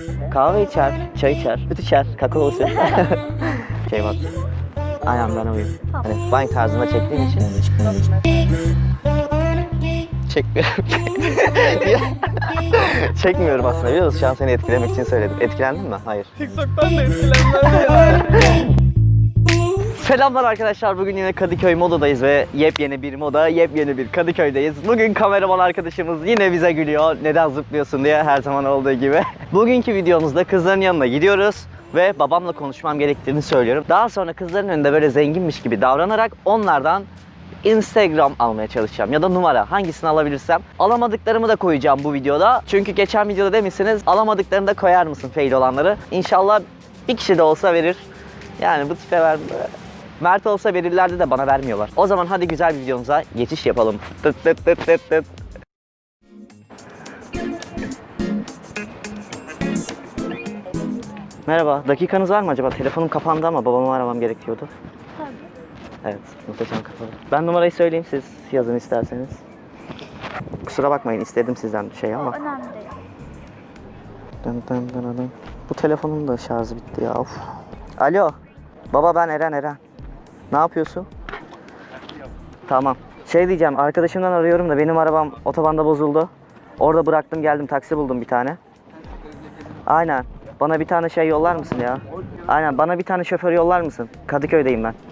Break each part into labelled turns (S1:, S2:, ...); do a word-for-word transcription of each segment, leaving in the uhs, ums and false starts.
S1: Kahve içer, çay içer, süt içer, kakao süt. Şey bak. Aynen ben oyum. Hani wine tarzında çektiğim için. Çekmiyorum. Çekmiyorum aslında biliyor musun? Şu an seni etkilemek için söyledim. Etkilendin mi? Hayır.
S2: TikTok'tan da etkilenmem.
S1: Selamlar arkadaşlar. Bugün yine Kadıköy Moda'dayız ve yepyeni bir moda, yepyeni bir Kadıköy'deyiz. Bugün kameraman arkadaşımız yine bize gülüyor. Neden zıplıyorsun diye, her zaman olduğu gibi. Bugünkü videomuzda kızların yanına gidiyoruz ve babamla konuşmam gerektiğini söylüyorum. Daha sonra kızların önünde böyle zenginmiş gibi davranarak onlardan Instagram almaya çalışacağım ya da numara, hangisini alabilirsem. Alamadıklarımı da koyacağım bu videoda. Çünkü geçen videoda demişsiniz alamadıklarını da koyar mısın fail olanları. İnşallah bir kişi de olsa verir. Yani bu tipe ver. Mert olsa verirlerdi de bana vermiyorlar. O zaman hadi güzel bir videomuza geçiş yapalım. Tıt tıt tıt tıt tıt. Merhaba, dakikanız var mı acaba? Telefonum kapandı ama babamı aramam gerekiyordu.
S2: Tabii.
S1: Evet, muhteşem kapalı. Ben numarayı söyleyeyim, siz yazın isterseniz. Kusura bakmayın, istedim sizden bir şey ama.
S2: O önemli değil.
S1: Dın dın dın dın. Bu telefonun da şarjı bitti ya. Of. Alo. Baba ben Eren Eren. Ne yapıyorsun? Tamam. Şey diyeceğim, arkadaşımdan arıyorum da benim arabam otobanda bozuldu. Orada bıraktım geldim, taksi buldum bir tane. Aynen. Bana bir tane şey yollar mısın ya? Aynen, bana bir tane şoför yollar mısın? Kadıköy'deyim ben.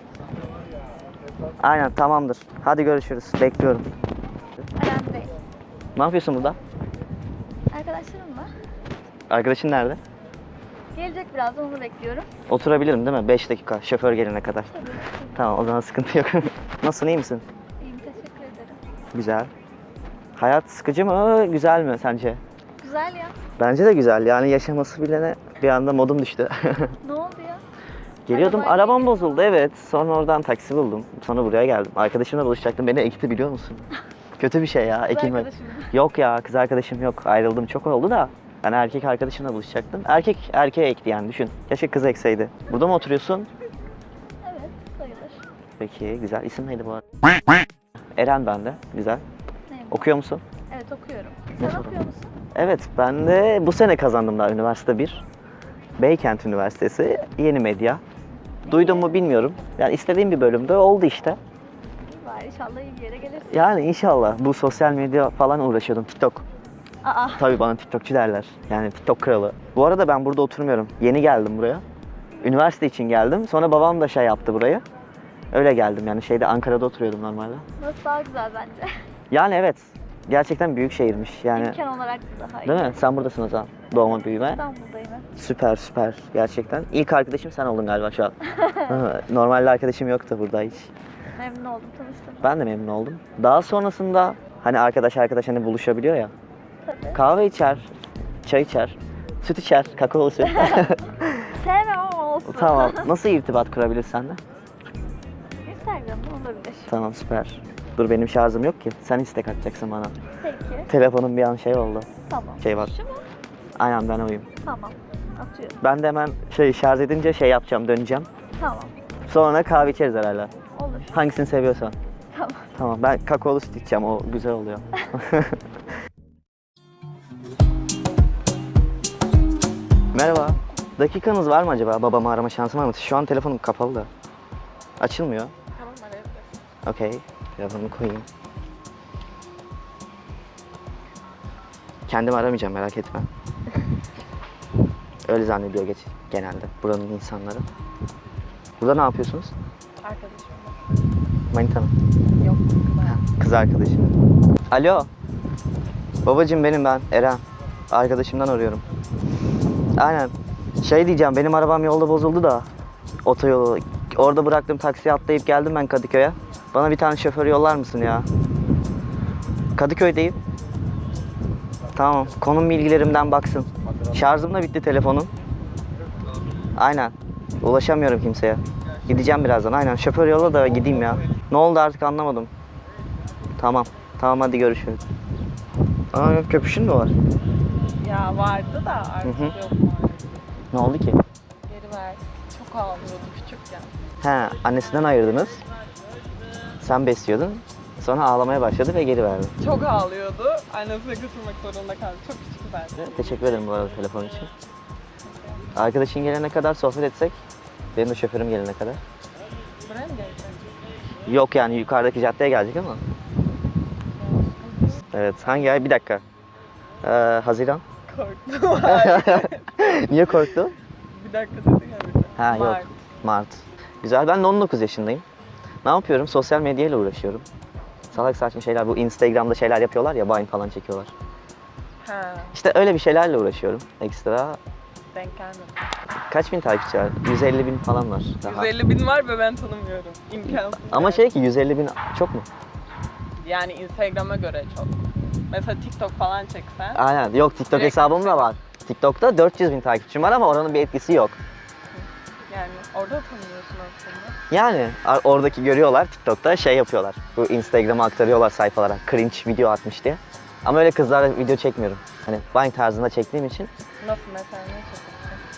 S1: Aynen, tamamdır. Hadi görüşürüz. Bekliyorum.
S2: Önemli değil.
S1: Ne yapıyorsun burada?
S2: Arkadaşlarım var.
S1: Arkadaşın nerede?
S2: Gelecek birazdan, onu bekliyorum.
S1: Oturabilirim değil mi? beş dakika şoför gelene kadar.
S2: Tabii.
S1: Tamam, o zaman sıkıntı yok. Nasılsın, iyi misin?
S2: İyiyim, teşekkür ederim.
S1: Güzel. Hayat sıkıcı mı, güzel mi sence?
S2: Güzel ya.
S1: Bence de güzel. Yani yaşaması bilene bir anda modum düştü.
S2: Ne oldu ya?
S1: Geliyordum,
S2: Arabayla
S1: arabam
S2: geliyordun.
S1: bozuldu evet. Sonra oradan taksi buldum. Sonra buraya geldim. Arkadaşımla buluşacaktım. Beni ekti biliyor musun? Kötü bir şey ya,
S2: Kız
S1: ekilmek.
S2: arkadaşım mı?
S1: Yok ya, kız arkadaşım yok. Ayrıldım, çok oldu da. Yani erkek arkadaşımla buluşacaktım. Erkek erkeğe ekti yani, düşün. Keşke kız ekseydi. Burada mı oturuyorsun?
S2: Evet, sayılır.
S1: Peki, güzel. İsim neydi bu arada? Eren ben de. Güzel.
S2: Neyim?
S1: Okuyor musun?
S2: Evet, okuyorum.
S1: Ne
S2: Sen
S1: sorun?
S2: okuyor musun?
S1: Evet, ben de bu sene kazandım daha üniversite bir. Beykent Üniversitesi, Yeni Medya. Duydun mu bilmiyorum. Yani istediğim bir bölümde oldu işte.
S2: İyi bari, inşallah iyi bir yere gelirsin.
S1: Yani inşallah. Bu sosyal medya falan uğraşıyordum. TikTok.
S2: Aa,
S1: Tabii bana TikTokçu derler. Yani TikTok kralı. Bu arada ben burada oturmuyorum. Yeni geldim buraya. Üniversite için geldim. Sonra babam da şey yaptı burayı. Öyle geldim yani, şeyde Ankara'da oturuyordum normalde.
S2: nasıl daha güzel bence.
S1: Yani evet. Gerçekten büyük şehirmiş yani.
S2: İmkan olarak da daha iyi.
S1: Değil mi? Sen buradasın o zaman. Doğma büyüme.
S2: İstanbul'dayım. Evet.
S1: Süper süper gerçekten. İlk arkadaşım sen oldun galiba şu an. Normalde arkadaşım yoktu burada hiç.
S2: Memnun oldum, tanıştım.
S1: Ben de memnun oldum. Daha sonrasında hani arkadaş arkadaş hani buluşabiliyor ya.
S2: Tabii.
S1: Kahve içer, çay içer, süt içer, kakao süt.
S2: Sevmem ama olsun.
S1: Tamam. Nasıl irtibat kurabilir seninle?
S2: Instagram'da olabilir.
S1: Tamam süper. Dur benim şarjım yok ki. Sen istek atacaksın bana.
S2: Peki.
S1: Telefonum bir an şey oldu.
S2: Tamam.
S1: Şey var.
S2: Şu mu?
S1: Aynen ben oyum.
S2: Tamam. Atıyorum.
S1: Ben de hemen şey şarj edince şey yapacağım, döneceğim.
S2: Tamam.
S1: Sonra kahve içeriz herhalde.
S2: Olur.
S1: Hangisini seviyorsan.
S2: Tamam.
S1: Tamam, ben kakaolu süt içeceğim, o güzel oluyor. Merhaba. Dakikanız var mı acaba? Babamı arama şansım var mı? Şu an telefonum kapalı da. Açılmıyor.
S2: Tamam, arayabilirsin.
S1: Okey. Telefonumu koyayım. Kendimi aramayacağım, merak etme. Öyle zannediyor geç genelde buranın insanları. Burada ne yapıyorsunuz?
S2: Arkadaşım var.
S1: Manita mı?
S2: Yok.
S1: Kız arkadaşım. Alo. Babacığım benim ben Eren. Arkadaşımdan arıyorum. Aynen. Şey diyeceğim, benim arabam yolda bozuldu da. Otoyolu. Orada bıraktım, taksiye atlayıp geldim ben Kadıköy'e. Bana bir tane şoför yollar mısın ya? Kadıköy'deyim. Tamam. Konum bilgilerimden baksın. Şarjım da bitti telefonun. Aynen. Ulaşamıyorum kimseye. Gideceğim birazdan. Aynen. Şoför yolla da gideyim ya. Ne oldu artık anlamadım. Tamam. Tamam hadi görüşürüz. Aa yok, köpüşün mü var?
S2: Ya vardı da artık
S1: Hı hı.
S2: yok.
S1: Ne oldu ki?
S2: Geri ver. Çok ağlıyordu küçükken.
S1: He, annesinden ayırdınız. Sen besliyordun. Sonra ağlamaya başladı ve geri verdi.
S2: Çok ağlıyordu. Annesine götürmek zorunda kaldı. Çok küçük bence.
S1: Teşekkür ederim bu arada telefon için. Arkadaşın gelene kadar sohbet etsek. Benim de şoförüm gelene kadar.
S2: Buraya mı gelecek?
S1: Yok yani yukarıdaki caddeye gelecek ama. Evet, hangi ay? Bir dakika. Ee, Haziran.
S2: Korktum. Hayır.
S1: Niye korktun?
S2: Bir dakika dedin ya bir de.
S1: Ha yok.
S2: Mart.
S1: Mart. Güzel. Ben de on dokuz yaşındayım. Ne yapıyorum? Sosyal medyayla uğraşıyorum. Salak saçma şeyler. Bu Instagram'da şeyler yapıyorlar ya, Vine falan çekiyorlar.
S2: Ha,
S1: İşte öyle bir şeylerle uğraşıyorum ekstra.
S2: denk gelmedi.
S1: Kaç bin takipçi var? yüz elli bin falan var daha.
S2: yüz elli bin var ve ben tanımıyorum. İmkansız.
S1: Ama
S2: yani.
S1: şey ki yüz elli bin çok mu?
S2: Yani Instagram'a göre çok. Mesela TikTok falan çeksen.
S1: Aynen. Yok, TikTok
S2: Direkt
S1: hesabım da var. TikTok'ta dört yüz bin takipçim var ama oranın bir etkisi yok.
S2: Yani orada tanımıyorsun aslında.
S1: Yani a- oradaki görüyorlar TikTok'ta şey yapıyorlar. Bu Instagram'a aktarıyorlar sayfalara. Cringe video atmış diye. Ama öyle kızlarla video çekmiyorum. Hani Vine tarzında çektiğim için
S2: Nasıl mesela ne çekiyorsun?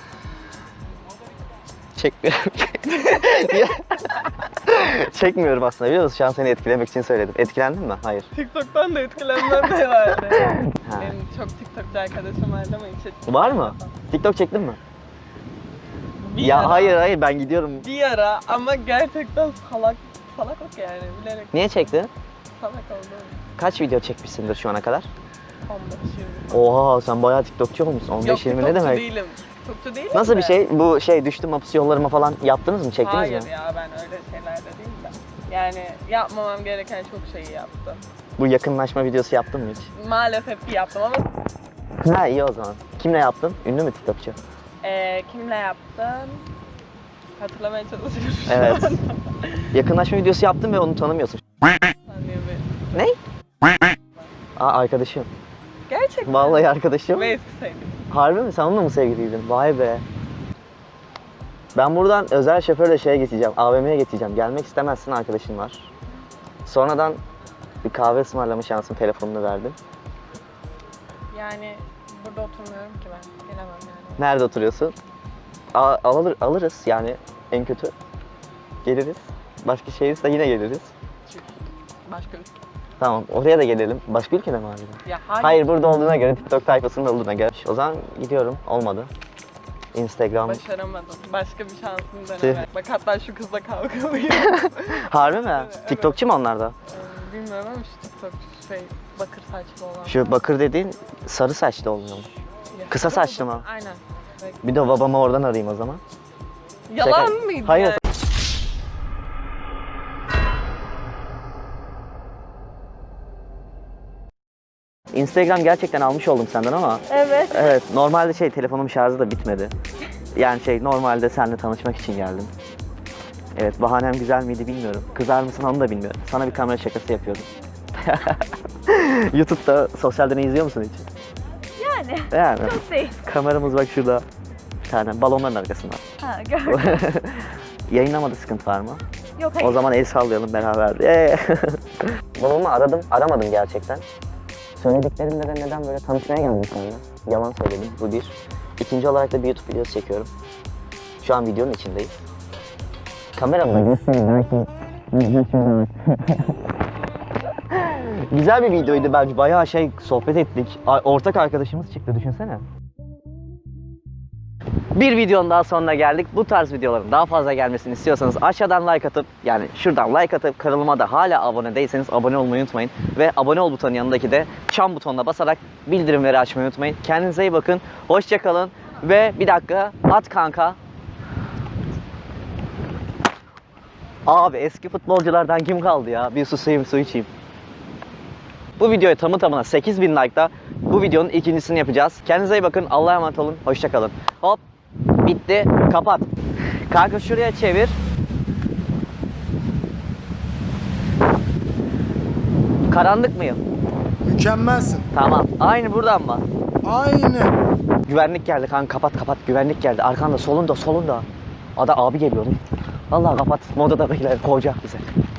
S1: çekmiyorum. Niye? Çekmiyorum aslında, biliyor musun? Şu an seni etkilemek için söyledim. Etkilendin mi? Hayır.
S2: TikTok'tan da etkilenmem de vardı.
S1: Ha.
S2: Benim çok TikTokçu arkadaşım vardı ama hiç etkilenmedim.
S1: Var mı? TikTok çektin mi?
S2: Bir
S1: ya
S2: ara,
S1: hayır hayır ben gidiyorum.
S2: Bir ara ama gerçekten salak, salaklık yani bilerek
S1: Niye çektin?
S2: salak oldum.
S1: Kaç video çekmişsindir şu ana kadar?
S2: on beş yirmi.
S1: Oha, sen bayağı TikTokçu olmuşsun. on beş yirmi ne
S2: TikTokçu
S1: demek?
S2: değilim. TikTokçu değilim
S1: Nasıl bir
S2: de.
S1: şey? Bu şey düştüm hapus yollarıma falan yaptınız mı? Çektiniz
S2: Hayır
S1: mi?
S2: ya ben öyle şeylerde değilim de. Yani yapmamam gereken çok şeyi yaptım.
S1: Bu yakınlaşma videosu yaptın mı hiç?
S2: Maalesef ki yaptım ama
S1: Ha iyi o zaman. Kimle yaptın? Ünlü mü TikTokçu?
S2: eee kimle yaptım? Hatırlamaya çalışıyorum şu
S1: Evet.
S2: an.
S1: Yakınlaşma videosu yaptın ve onu tanımıyorsun.
S2: Saniye bir-
S1: Ne? Aa, arkadaşım.
S2: Gerçekten.
S1: Vallahi arkadaşım.
S2: Ve eski sevgilim.
S1: Harbi mi? Sen onunla mı sevgiliydin? Vay be. Ben buradan özel şoförle şeye geçeceğim. A V M'ye geçeceğim. Gelmek istemezsin, arkadaşın var. Sonradan bir kahve ısmarlama şansım, telefonunu verdim.
S2: Yani burada oturmuyorum ki ben. Gelemem yani.
S1: Nerede oturuyorsun? A- alır, alırız yani en kötü. Geliriz. Başka şehirse yine geliriz.
S2: Çünkü başka ülke.
S1: Tamam, oraya da gelelim. Başka ülkede mi harbiden?
S2: Ya hayır.
S1: Hayır, burada olduğuna göre, TikTok tayfasının olduğuna göre. O zaman gidiyorum. Olmadı. Instagram.
S2: Başaramadım. Başka bir şansım
S1: Tüh.
S2: deneme. Bak hatta şu kızla kavgalıyım.
S1: Harbi mi?
S2: Evet.
S1: TikTokçu mu onlar da?
S2: Ee, Bilmiyorum ama şu TikTok şey bakır saçlı olan.
S1: Şu bakır dediğin sarı saçlı olmuyor mu?
S2: Ya,
S1: kısa saçlı mı?
S2: Aynen. Evet.
S1: Bir de babamı oradan arayayım o zaman.
S2: Yalan
S1: Şaka.
S2: mıydı?
S1: Hayır.
S2: yani?
S1: Instagram gerçekten almış oldum senden ama
S2: Evet.
S1: evet, normalde şey, telefonum şarjı da bitmedi. Yani şey, normalde seninle tanışmak için geldim. Evet, bahanem güzel miydi bilmiyorum. Kızar mısın onu da bilmiyorum. Sana bir kamera şakası yapıyordum. YouTube'da sosyal deney izliyor musun hiç?
S2: Yani.
S1: Yani.
S2: Çok değil.
S1: Kameramız bak şurada. Bir tane balonların arkasında.
S2: Ha gördüm.
S1: Yayınlamada sıkıntı var mı?
S2: Yok
S1: O zaman el sallayalım beraber. Ee. Babamı aradım, aramadım gerçekten. Söylediklerinle de neden böyle tanışmaya geldim seninle? Yalan söyledim, bu bir. İkinci olarak da bir YouTube videosu çekiyorum. Şu an videonun içindeyiz. Kameramla göstereyim belki. Güzel bir videoydu bence. Bayağı şey sohbet ettik. A- Ortak arkadaşımız çıktı, düşünsene. Bir videonun daha sonuna geldik. Bu tarz videoların daha fazla gelmesini istiyorsanız aşağıdan like atıp, yani şuradan like atıp kanalıma da hala abone değilseniz abone olmayı unutmayın. Ve abone ol butonun yanındaki de çan butonuna basarak bildirimleri açmayı unutmayın. Kendinize iyi bakın. Hoşça kalın. Ve bir dakika, at kanka. Abi eski futbolculardan kim kaldı ya? Bir susayım, su içeyim. Bu videoya tamı tamına sekiz bin like'da bu videonun ikincisini yapacağız. Kendinize iyi bakın. Allah'a emanet olun. Hoşça kalın. Hop. Bitti. Kapat. Kanka şuraya çevir. Karanlık mıyım?
S3: Mükemmelsin.
S1: Tamam. Aynı buradan mı?
S3: Aynı.
S1: Güvenlik geldi kanka, kapat kapat. Güvenlik geldi. Arkanda, solunda, solunda. Ada abi geliyor. Vallahi kapat. Modada beyler kovacak bize.